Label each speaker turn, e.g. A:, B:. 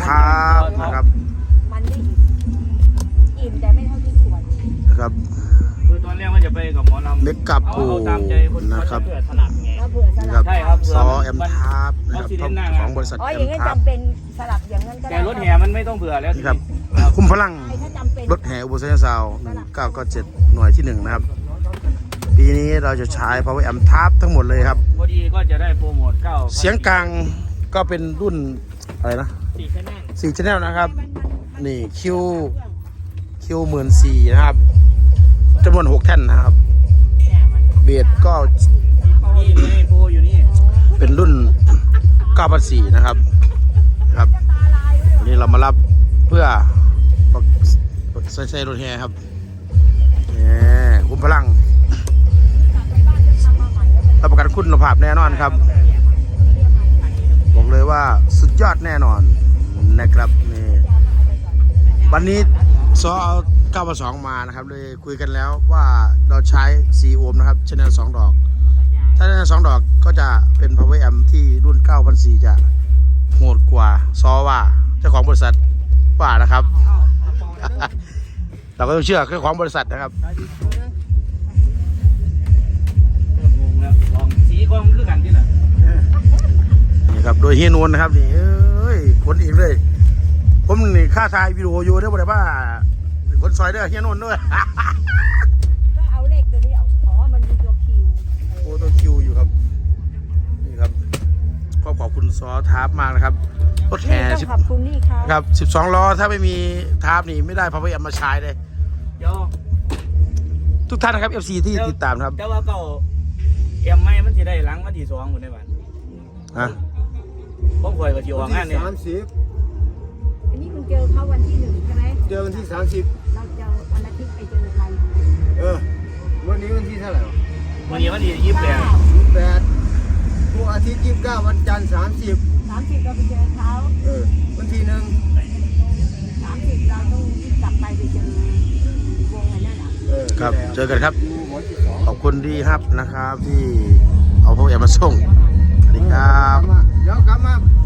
A: ทับนะครับ
B: มันได้อิ่มแต่ไม่เท่าที่ควร
A: นะครับ
C: คือตอนแรกว่าจะไปกับหมอลำ
A: เมกกับปูนะครับ
C: เผื่อสลับไง
B: แล้วเผื่อสลับ
C: ใช่ครับ
A: ซอแอมทับนะครับของบริษัท
B: อ๋อ
A: แอ
B: อย่าง
A: ม
B: นั้น
A: ทับ
B: จำเป็นสลับอย่างนั้นก็ได้
C: แต่รถแห่มันไม่ต้องเผื่อแล้ว
A: นี่ครับคุ้มพลัง
B: ถ้าจำเป็น
A: รถแห่อุบลเซนซาว1997หน่วยที่1นะครับปีนี้เราจะใช้ power amp ทับทั้งหมดเลยครับ
C: พอดีก็จะได้โปรโมท9
A: เสียงกลางก็เป็นรุ่นอะไรนะ
C: 4 channel
A: 4 channel นะครับนี่คิว14,000นะครับจำนวน6แท่นนะครับเบสก็
C: นี่โปรอยู่นี่
A: เป็นรุ่น9,400นะครับวันนี้เรามารับเพื่อใช้รถแห่ครับนี่คุ้มพลังรับประกันคุณภาพแน่นอนครับบอกเลยว่าสุดยอดแน่นอนนะครับนี่วันนี้ซอเอา9,200มานะครับเลยคุยกันแล้วว่าเราใช้4โอห์มนะครับชแนล2ดอกถ้าชแนล2ดอกก็จะเป็น power amp ที่รุ่น9,400จะโหดกว่าซอว่าเจ้าของบริษัทว่านะครับ เราก็ต้องเชื่อเจ้าของบริษัทนะครับ
C: สีกองคือกันที่ไหน
A: นี่ครับโดยเฮียนวลนะครับนี่เอ้ยคนเองเลยผมนี่ค่าถ่ายวิดีโออยู่ได้บ่ได้ว่าคนซอยเด้อเฮียนวลด้วย
B: ก็เอาเลขตัวนี้เอาอ๋อมันมีตัวคิว
A: โอ้ตัวคิวอยู่ครับนี่ครับขอบคุณซอทาร์ปมากนะครับรถแห่
B: ต้องขอบคุณนี่ครับ
A: ครับ12ล้อถ้าไม่มีทาร์ปนี่ไม่ได้พาวเวอร์แอมมาใช้เลย
C: เดี๋ยว
A: ทุกท่านนะครับ FC ที่ติดตามครับ
C: แต่ว่าเก่าเอ็มไม่มันจะได้หลังวันที่2คนได้บ้าน
A: ฮะ
C: ผมคอยกับจิวงานเนี่ย
B: อันนี้คุณเจอเขาวันที่1ใช่ไหม
D: เจอวันที่30
B: เราเจอวันอาทิตย์ไปเจอใคร
D: วันนี้วันที่เท่าไหร่วะ
C: วันนี้วันที่28
D: 8พวกอาทิตย์29วันจันทร์30
B: 30เราไปเจอเขา
D: วันที่1
B: 30เราต้องกลับไปเจอวงอันนั้นอ่ะ
A: ครับเจอกันครับ
D: วันที่
A: ขอบคุณที่ครับนะครับที่เอาพาวเวอร์แอมมาส่งสวัสดีครับ
D: 2เดี๋ยวกลับมา